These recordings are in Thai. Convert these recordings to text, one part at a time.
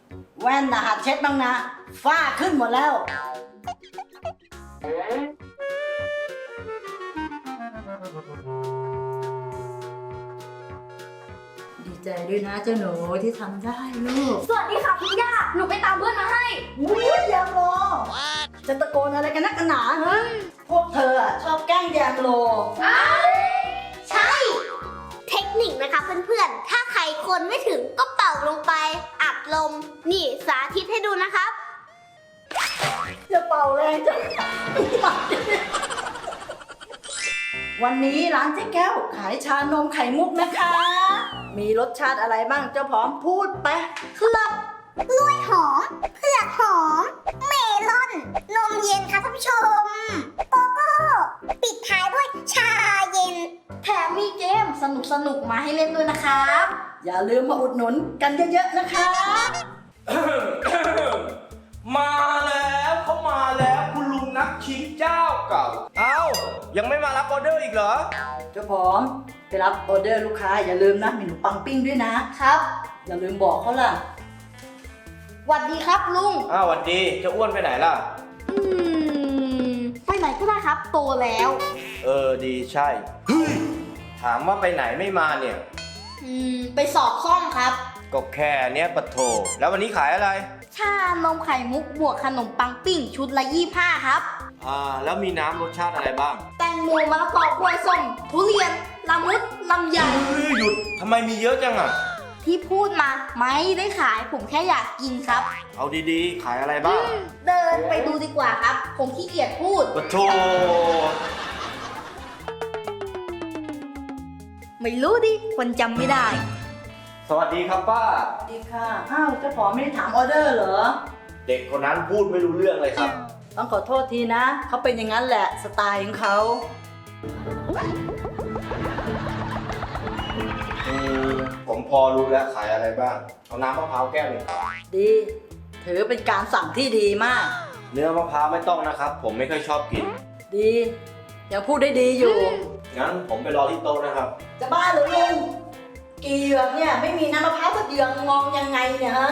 แว่นนะหัดเช็ดบ้างนะฝ้าขึ้นหมดแล้วดีใจด้วยนะเจ้าหนูที่ทำได้ลูกสวัสดีค่ะคุณย่า หนูไปตามเพื่อนมาให้อุ้ยแยมโลจะตะโกนอะไรกันนักกันหนาฮะพวกเธออะชอบแกล้งแยมโลใช่ เทคนิคนะคะเพื่อนๆ ถ้าใครคนไม่ถึงก็เป่าลงไป อัดลม นี่สาธิตให้ดูนะครับจะเป่าแรงจังวันนี้ร้านเจ๊แก้วขายชานมไข่มุกนะคะ มีรสชาติอะไรบ้างเจ้าผอมพูดไปครับกล้วยหอม เผือกหอม เมลอน นมเย็นค่ะท่านผู้ชม โกโก้ ปิดท้ายด้วยชาเย็น แถมมีเกมสนุกๆ มาให้เล่นด้วยนะครับอย่าลืมมาอุดหนุนกันเยอะๆนะคะมาแล้วเขามาแล้วคุณลุงนักชิมเจ้าเก่า เอ้ายังไม่มารับออเดอร์อีกเหรอเจ้าผอมไปรับออเดอร์ลูกค้าอย่าลืมนะมีขนมปังปิ้งด้วยนะครับ อย่าลืมบอกเขาล่ะหวัดดีครับลุงอ้าวหวันดีเจะอ้วนไปไหนล่ะไปไหนก็ได้ครับ โตแล้วดีใช่เฮ้ยถามว่าไปไหนไม่มาเนี่ยไปสอบซ่อมครับก็แค่เนี้ยปะโถแล้ววันนี้ขายอะไรชานมไข่มุกบวกขนมปังปิ้งชุดละ25ครับแล้วมีน้ำรสชาติอะไรบ้างแตงโมมะละกอกล้วยส้มทุเรียนละมุดลำไยเฮ้ยหยุดทำไมมีเยอะจังอ่ะที่พูดมาไม่ได้ขายผมแค่อยากกินครับเอาดีๆ ขายอะไรบ้างเดินไปดูดีกว่าครับ ผมขี้เกียจพูดปะโถไม่รู้ดิ คนจำไม่ได้สวัสดีครับป้าสวัสดีค่ะอ้าวเจ้าผอมไม่ได้ถามออเดอร์เหรอเด็กคนนั้นพูดไม่รู้เรื่องเลยครับต้องขอโทษทีนะเขาเป็นอย่างนั้นแหละสไตล์ของเขาผมพอรู้แล้วขายอะไรบ้าง เอาน้ำมะพร้าวแก้วหนึ่งครับดีถือเป็นการสั่งที่ดีมากเนื้อมะพร้าวไม่ต้องนะครับ ผมไม่ค่อยชอบกินดียังพูดได้ดีอยู่งั้นผมไปรอที่โต๊ะนะครับจะบ้าเหรือลุงกี่เหยือกเนี่ยไม่มีน้ำมะพร้าวสักเหยือกงองยังไงเนี่ยฮะ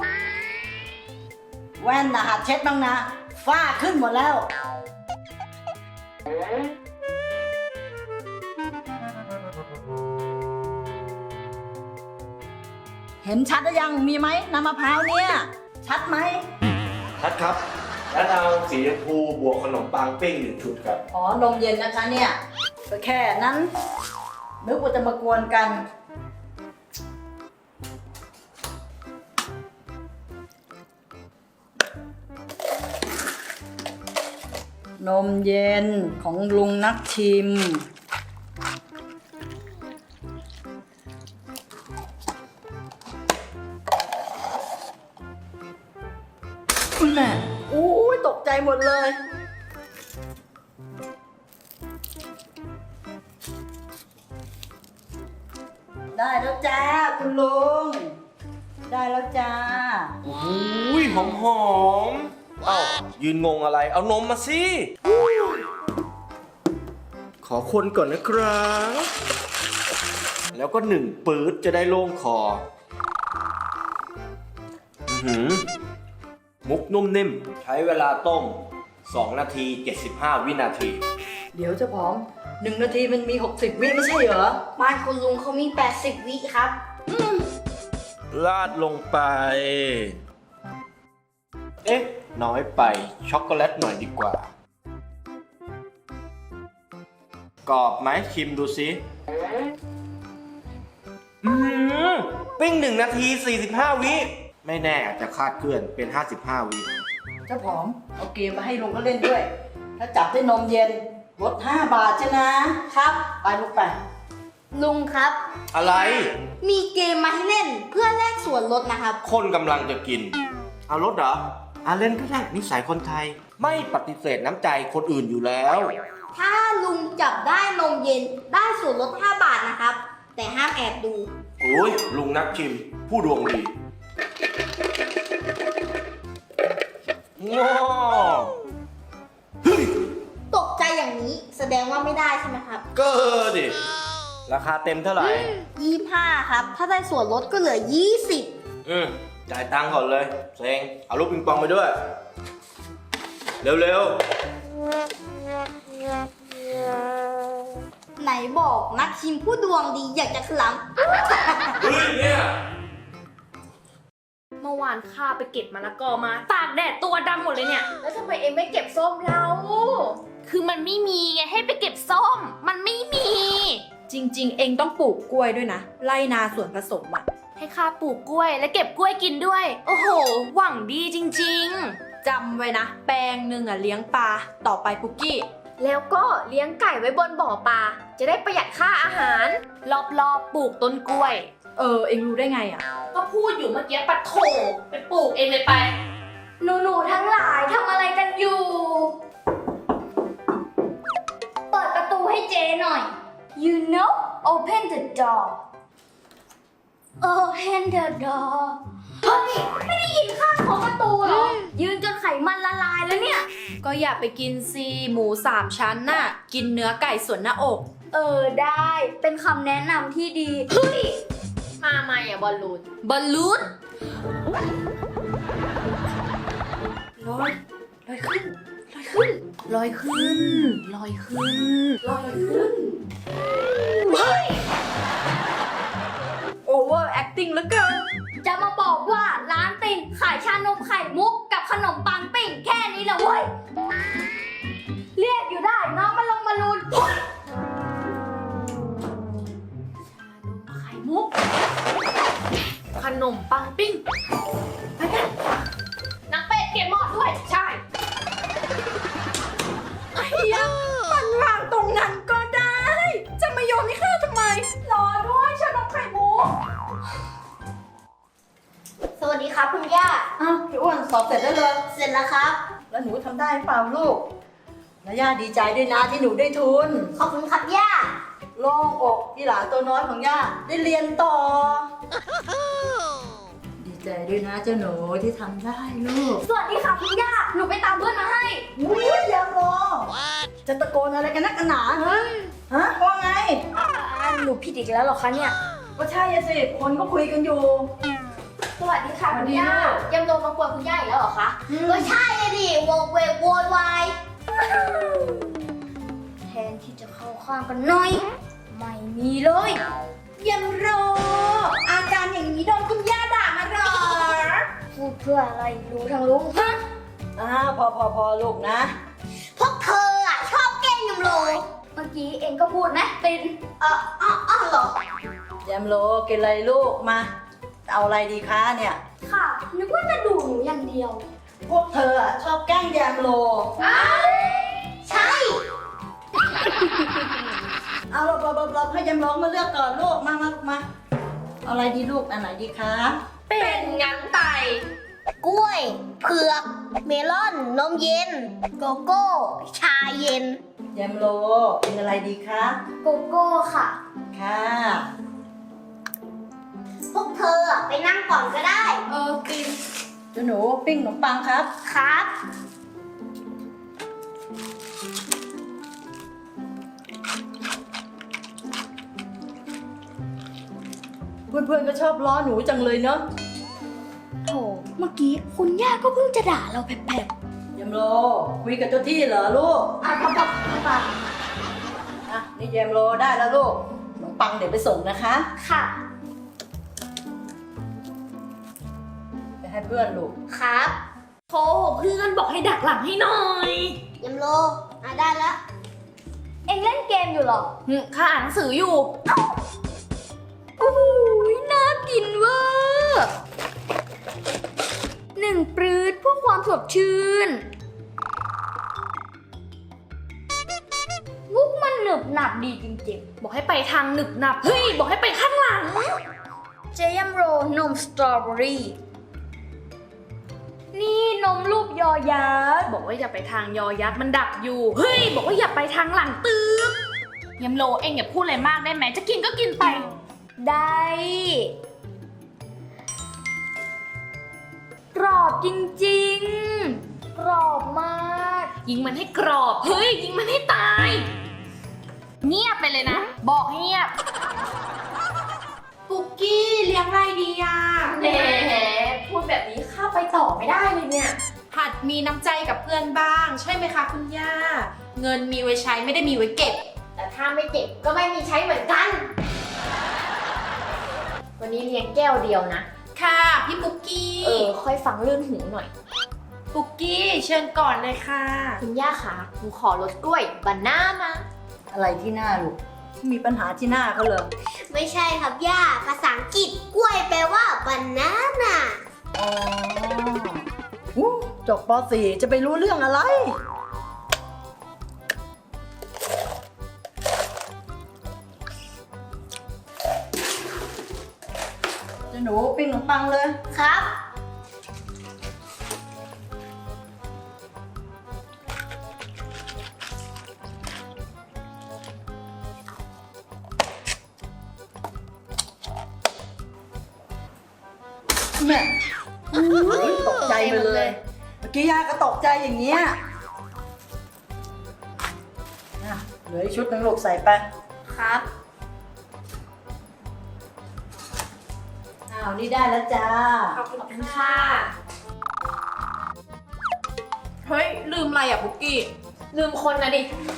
แว่นนะหัดเช็ดบ้างนะฝ้าขึ้นหมดแล้ว เห็นชัดหรือยังมีไหมน้ำมะพร้าวเนี่ยชัดไหมชัดครับ แล้วเอาสีชมพูบวกขนมปังปิ้ง1 ชุดครับอ๋อนมเย็นนะคะเนี่ยก็แค่นั้นนึกว่าจะมากวนกันนมเย็นของลุงนักชิมคุณแม่อู้ยตกใจหมดเลย ได้แล้วจ้าคุณลุง ได้แล้วจ้าโอ้ยหอมๆเอ้ายืนงงอะไร เอานมมาสิ ขอคนก่อนนะครับ แล้วก็1 ปื๊ดจะได้โล่งคอมุกนุ่มนิ่ม ใช้เวลาต้ม 2 นาที 75 วินาทีเดี๋ยวจะผอม1 นาทีมันมี60 วิไม่ใช่เหรอบ้านคุณลุงเขามี 80 วิครับราดลงไป เอ๊ะ น้อยไป ช็อกโกแลตหน่อยดีกว่า กรอบไหมชิมดูสิปิ้ง1 นาที 45 วิ ไม่แน่อาจจะคาดเคลื่อนเป็น 55 วิเจ้าผอมเอาเกมมาให้ลุงก็เล่นด้วย ถ้าจับได้นมเย็นลด5 บาทใช่นะครับ ไปลูกไปลุงครับอะไรมีเกมมาให้เล่นเพื่อแลกส่วนลดนะครับคนกำลังจะกิน เอารถเหรอเล่นก็ได้นิสัยคนไทย ไม่ปฏิเสธน้ำใจคนอื่นอยู่แล้วถ้าลุงจับได้นมเย็นได้ส่วนลด 5 บาทนะครับ แต่ห้ามแอบดูโอ้ยลุงนักชิม ผู้ดวงดีง้อตกใจอย่างนี้แสดงว่าไม่ได้ใช่ไหมครับก็ดิ ราคาเต็มเท่าไหร่ 25 ครับ ถ้าได้ส่วนลดก็เหลือ 20 แจ่ายตังค์ก่อนเลยเซ็งเอาลูกปิงปองไปด้วย เร็วไหนบอกนักชิมผู้ดวงดีอยากจะขลๆ เฮ้ยเนี่ยเมื่อวานข้าไปเก็บมะละกอมาตากแดดตัวดำหมดเลยเนี่ย แล้วทำไมเอ็งไม่เก็บส้มเรา คือมันไม่มีไงให้ไปเก็บส้ม มันไม่มีจริงๆ เองต้องปลูกกล้วยด้วยนะ ไร่นาสวนผสมอ่ะให้ข้าปลูกกล้วยและเก็บกล้วยกินด้วย โอ้โห หวังดีจริงจำไว้นะ แปลงหนึ่งอ่ะเลี้ยงปลา ต่อไปปุกกี้ๆ แล้วก็เลี้ยงไก่ไว้บนบ่อปลา จะได้ประหยัดค่าอาหาร รอบๆปลูกต้นกล้วยเองรู้ได้ไงอ่ะก็พูดอยู่เมื่อกี้ปัดโถไปปลูกเองเลยไปำหนูๆทั้งหลายทำอะไรกันอยู่ เปิดประตูให้เจหน่อย You know open the door Open the door เฮ้ย ไม่ได้ยินข้างของประตูเหรอ ยืนจนไขมันละลายแล้วเนี่ยก็อย่าไปกินซีหมู3 ชั้นน่ะ กินเนื้อไก่ส่วนหน้าอกได้เป็นคำแนะนำที่ดี เฮ้ยมาใหม่อ่ะบอลลูนบอลลูนลอยขึ้น ลอยขึ้น ลอยขึ้น ลอยขึ้นเฮ้ย over acting เหลือเกินจะมาบอกว่าร้านติ่งขายชานมไข่มุกกับขนมปังปิ่งแค่นี้เหรอเว้ย เรียกอยู่ได้น้องมาลงมาลูนเฮ้ยไข่มุก ขนมปังปิ้งไปกันนักเป็ดเก็บหมอดด้วย ใช่ไอ้ยะมันวางตรงนั้นก็ได้ จะมาโยนให้ข้าทำไม รอด้วยชานมไข่มุกสวัสดีครับคุณย่าอ้าวพี่อ้วนสอบเสร็จแล้วเลยเสร็จแล้วครับแล้วหนูทำได้เปล่าลูกแล้วย่าดีใจด้วยนะที่หนูได้ทุนขอบคุณครับย่าโล่งอกที่หลานตัวน้อยของย่าได้เรียนต่อ ดีใจด้วยนะเจ้าหนูที่ทำได้ลูกสวัสดีค่ะคุณย่า หนูไปตามเพื่อนมาให้อุ้ยยังรอจะตะโกนอะไรกันนักกันหนาฮะว่าไงหนูผิดอีกแล้วเหรอคะเนี่ยก็ใช่อะสิคนก็คุยกันอยู่สวัสดีค่ะสวัคุสณดีย่าลูกยังโดนมากวนคุณย่าอีกแล้วเหรอคะ ก็ใช่เลยดิโวกเวกโวยวายแทนที่จะเข้าข้างกันหน่อย ไม่มีเลยยังรออาการอย่างนี้โดนคุณย่าด่ามาหรอพูดเพื่ออะไรรู้ทั้งรู้ฮะพอลูกนะพวกเธออ่ะชอบแกล้งยำโลเมื่อกี้เองก็พูดนะตินเหรอแยมโลกินอะไรลูกมา เอาอะไรดีคะเนี่ยค่ะนึกว่าจะดูหนูอย่างเดียวพวกเธออะชอบแกล้งแยมโลใช่เอาเราให้แยมโลมาเลือกก่อนลูกมาเอาอะไรดีลูกอันไหนดีคะเป็นงั้นไปกล้วย เผือก เมลอน นมเย็น โกโก้ ชาเย็นแยมโลกินอะไรดีคะโกโก้ค่ะค่ะพวกเธอไปนั่งก่อนก็ได้กินเจ้าหนูปิ้งขนมปังครับครับเพื่อนๆก็ชอบล้อหนูจังเลยเนาะโถเมื่อกี้คุณย่าก็เพิ่งจะด่าเราแผลบแยมโลคุยกับเจ้าที่เหรอลูกๆครับอ่ะนี่แยมโลได้แล้วลูกขนมปังเดี๋ยวไปส่งนะคะค่ะไปให้เพื่อนลูกครับโทรเพื่อนบอกให้ดักหลังให้หน่อยยำโลได้แล้ว เอ็งเล่นเกมอยู่เหรอข้าอ่านหนังสืออยู่โอ้ยน่ากินเวอร์หนึ่งปรื๊ดเพื่อความสดชื่น มุกมันหนึบหนับดีจริงบอกให้ไปทางหนึบหนับ เฮ้ย บอกให้ไปข้างหลังๆ เจยัมโรนมสตรอเบอรี่ นี่นมรูปยอยักษ์บอกว่าอย่าไปทางยอยักษ์มันดักอยู่ เฮ้ย บอกว่าอย่าไปทางหลังตืบยำโลเองอย่าพูดอะไรมากได้ไหม จะกินก็กินไปได้ กรอบจริงๆ กรอบมากยิงมันให้กรอบ เฮ้ย ยิงมันให้ตาย เงียบไปเลยนะ บอกให้เงียบปุกกี้เลี้ยงอะไรดีอ่ะแหมพพูดแบบนี้ข้าไปต่อไม่ได้เลยเนี่ยหัดมีน้ำใจกับเพื่อนบ้าง ใช่ไหมคะคุณย่า เงินมีไว้ใช้ไม่ได้มีไว้เก็บแต่ถ้าไม่เก็บก็ไม่มีใช้เหมือนกัน วันนี้เลี้ยงแก้วเดียวนะค่ะพี่ปุกกี้ค่อยฟังเรื่องหูหน่อยปุกกี้เชิญก่อนเลยค่ะคุณย่าคะหนูขอรสกล้วยบานาน่าอะไรที่หน้าลูกมีปัญหาที่หน้าเขาเลยไม่ใช่ครับย่า ภาษาอังกฤษกล้วยแปลว่า banana อ๋ออู้จบป .4 จะไปรู้เรื่องอะไร จะหนูปิ้งขนมปังเลยครับแม่ตกใจไปเลย เมื่อกี้ย่าก็ตกใจอย่างเงี้ยอ่ะเหลืออีกชุดหนึงลูกใส่ไปครับอ้าวนี่ได้แล้วจ้าขอบคุณค่ะ เฮ้ย ลืมอะไรอ่ะปุกกี้ลืมคนนะดิ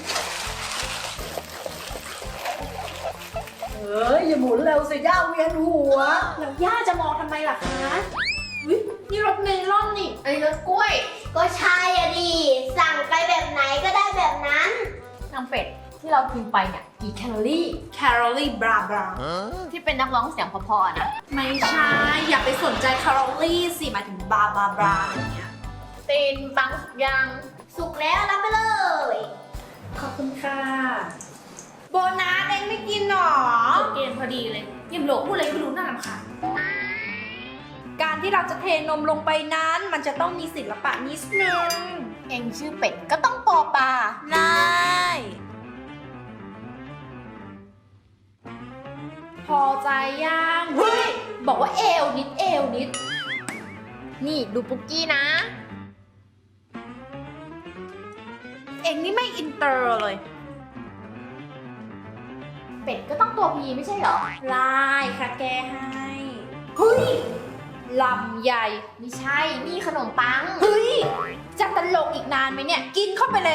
เอ้ยอย่าหมุนเร็วสิย่าเวียนหัวแล้วย่าจะมองทำไมล่ะคะอุ๊ยนี่รถเมลอนนี่อันนี้รสกล้วยก็ใช่อะดิ สั่งไปแบบไหนก็ได้แบบนั้นนางเป็ดที่เรากินไปเนี่ยกี่แคลอรี่แคลอรี่บราบราที่เป็นนักร้องเสียงเพอๆอะนะไม่ใช่ อย่าไปสนใจแคลอรี่สิหมายถึงบราบราบราอย่างเงี้ยตีนปังสุกยังสุกแล้วรับไปเลยขอบคุณค่ะ โบนัสเองไม่กินหรอเกณฑ์พอดีเลยยิมโหลพูดอะไรไม่รู้น่ารำคาญการที่เราจะเทนมลงไปนั้น มันจะต้องมีศิลปะนิดนึงเองชื่อเป็ดก็ต้องปอปลาได้ พอใจยังเฮ้ย บอกว่าเอวนิดเอวนิดนี่ดูปุกกี้นะเองนี่ไม่อินเตอร์เลยเป็ดก็ต้องตัวพีไม่ใช่เหรอลายค่ะแกให้ เฮ้ย ลำใหญ่ไม่ใช่ นี่ขนมปังเฮ้ย จะตลกอีกนานไหมเนี่ย กินเข้าไปเลย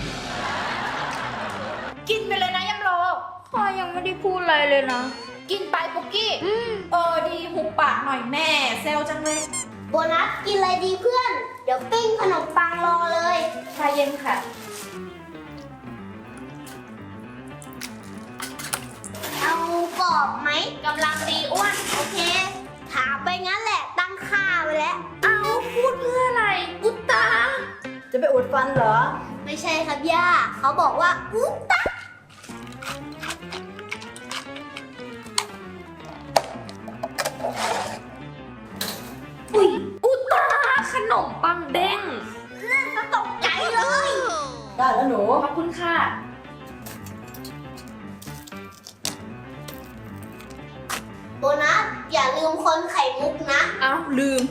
กินไปเลยนะยำโลข้ายังไม่ได้พูดอะไรเลยนะ กินไปปุกกี้ ดีหุบปากหน่อยแม่เซลจังเลยโบนัสกินอะไรดีเพื่อน เดี๋ยวปิ้งขนมปังรอเลยชาเย็นค่ะเอากรอบไหมกำลังดีอ้วนโอเค ถามไปงั้นแหละ ตั้งค่าไว้แล้วเอาพูดเพื่ออะไร อุตตาจะไปอุดฟันเหรอไม่ใช่ครับย่า เขาบอกว่าอุ๊ตะอุ๊ย อุตตา ขนมปังเด้งก็ตกใจเลยได้แล้วหนูขอบคุณค่ะโบนัสอย่าลืมคนไข่มุกนะอ้าวลืม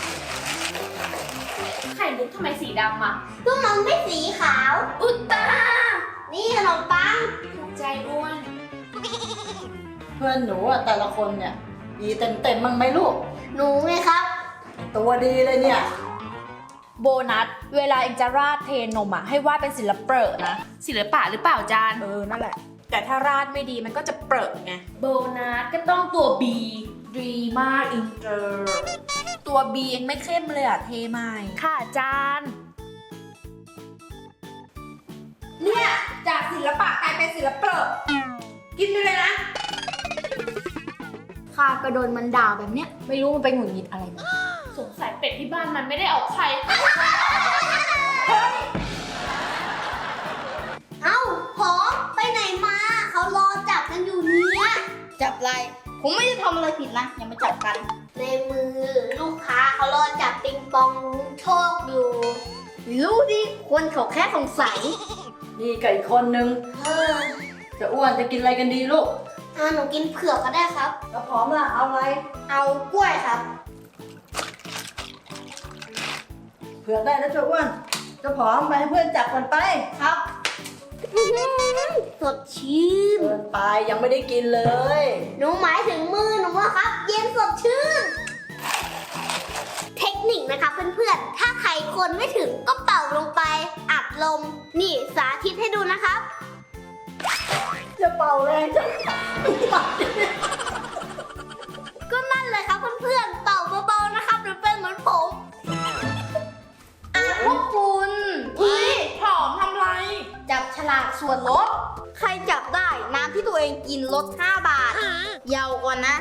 ไข่มุกทำไมสีดำอ่ะก็มันไม่สีขาวอุตตานี่ขนมปังถูกใจอ้วนเพื่อนหนูอะแต่ละคนเนี่ยดีเต็มๆมั้งไหมลูกหนูไงครับตัวดีเลยเนี่ยโบนัส เวลาเองจะราดเทนมอ่ะ ให้วาดเป็นศิลปะนะ ศิลปะหรือเปล่าจานนั่นแหละ แต่ถ้าราดไม่ดีมันก็จะเปรอะไง โบนัสก็ต้องตัว B ดีมากอินเตอร์ ตัว B เองไม่เข้มเลยอ่ะ เทใหม่ ค่ะจาน เนี่ย จากศิลปะกลายเป็นศิลปะกินไปเลยนะข้าก็โดนมันด่าแบบเนี้ย ไม่รู้มันไปหงุดหงิดอะไรมาสงสัยเป็ดที่บ้านมันไม่ได้ออกไข่เอ้าหอมไปไหนมา เขารอจับกันอยู่เนี่ยจับอะไร ผมไม่ได้ทำอะไรผิดนะ อย่ามาจับกันในมือลูกค้าเขารอจับปิงปองโชคอยู่ รู้ดิคนเขาแค่สงสัยนี่กับอีกคนนึงเออจะอ้วนจะกินอะไรกันดีลูกหนูกินเผือกก็ได้ครับแล้วพร้อมล่ะ เอาอะไรเอากล้วยครับเผื่อได้แล้วจะอ้วนจะผอมไปให้เพื่อนจับกันไปครับ สดชื่นเกินไปยังไม่ได้กินเลยหนูหมายถึงมือหนูว่าครับ เย็นสดชื่นนะคะเพื่อนๆ ถ้าใครคนไม่ถึงก็เป่าลงไปอัดลม นี่สาธิตให้ดูนะครับจะเป่าแรงจังก็นั่นเลยครับเพื่อนๆ เป่าเบาๆนะครับหรือเป็นเหมือนผมพวกคุณอุ้ยหอมทำไรจับฉลากส่วนลด ใครจับได้น้ำที่ตัวเองกินลด 5 บาท เยาวก่อนนะ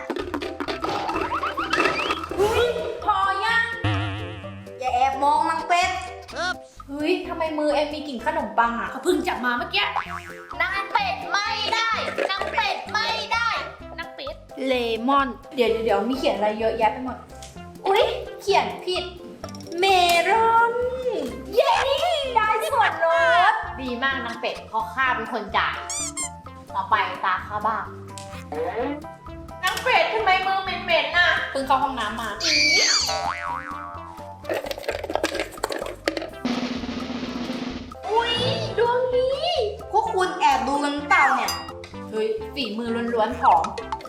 พอยังอย่าแอบมองนางเป็ดเฮ้ยทำไมมือเอ็มมีกลิ่นขนมปังอ่ะเขาเพิ่งจับมาเมื่อกี้นางเป็ดไม่ได้นางเป็ดไม่ได้นางเป็ดเลมอน เดี๋ยวมีเขียนอะไรเยอะแยะไปหมด อุ๊ย เขียนผิด เมลอน เย้ ได้ส่วนลดดีมากนางเป็ดเพราะข้าเป็นคนจ่าย ต่อไปตาข้าบ้างนางเป็ดทำไมมือเหม็นๆน่ะเพิ่งเข้าห้องน้ำมาอุ๊ยดวงนี้พวกคุณแอบดูกันเปล่าเนี่ยเฮ้ย ฝีมือล้วนๆหอม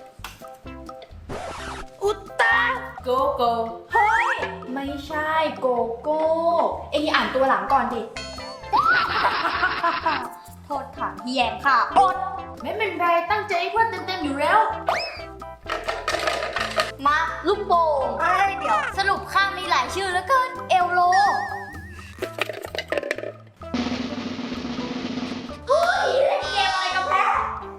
อุตตาโกโก้เฮ้ย ไม่ใช่โกโก้ เอ็งอ่านตัวหลังก่อนดิ โทษฐานที่แยงค่ะอดไม่เป็นไรตั้งใจให้เพื่อนเต็มๆอยู่แล้วมาลูกโป่งเดี๋ยวสรุปข้ามีหลายชื่อแล้วเกิน เอลโลเล่นเกมอะไรกันแพ้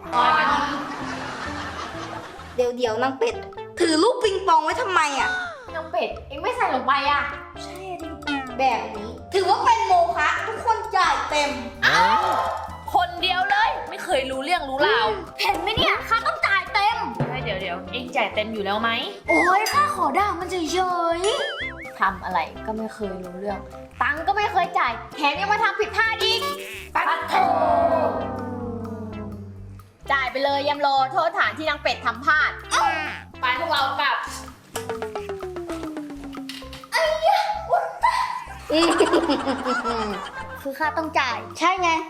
เดี๋ยวนางเป็ด ถือลูกปิงปองไว้ทำไมอ่ะนางเป็ด เอ็งไม่ใส่ลงไปอ่ะแบบนี้ ถือว่าเป็นโมฆะทุกคนจ่ายเต็มคนเดียวเลย ไม่เคยรู้เรื่องรู้ราวเห็นไหมเนี่ยข้าต้องจ่ายเต็มเดี๋ยวเอ็งจ่ายเต็มอยู่แล้วไหมโอ้ยข้าขอด่ามันเฉยๆทำอะไรก็ไม่เคยรู้เรื่อง ตังค์ก็ไม่เคยจ่ายแถมยังมาทำผิดพลาดอีกปัดโถจ่ายไปเลยยำโลโทษฐานที่นางเป็ดทำพลาดไปพวกเรากลับคือค่าต้องจ่าย ใช่ไง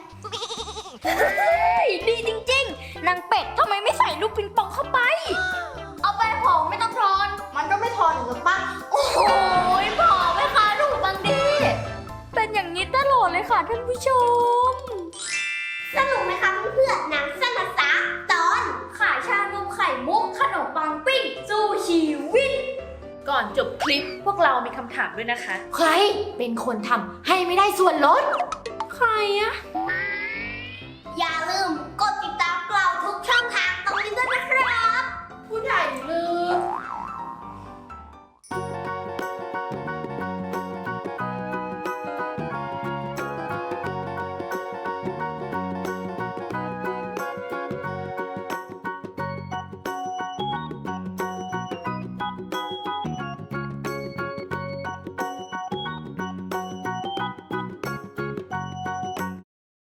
ดีจริงๆ นางเป็ดทำไมไม่ใส่ลูกปิงปองเข้าไป เอาไปผองไม่ต้องทอนมันก็ไม่ทอนหรือปะโอ้ยผอไม่คะถูกบางดี เป็นอย่างนี้ตลอดเลยค่ะท่านผู้ชมสนุกไหมคะเพื่อนๆหนังสั้นภาษาตอนขายชานมไข่มุกขนมปังปิ้งสู้ชีวิต ก่อนจบคลิปพวกเรามีคำถามด้วยนะคะ ใครเป็นคนทำให้ไม่ได้ส่วนลด ใครอะอย่าลืม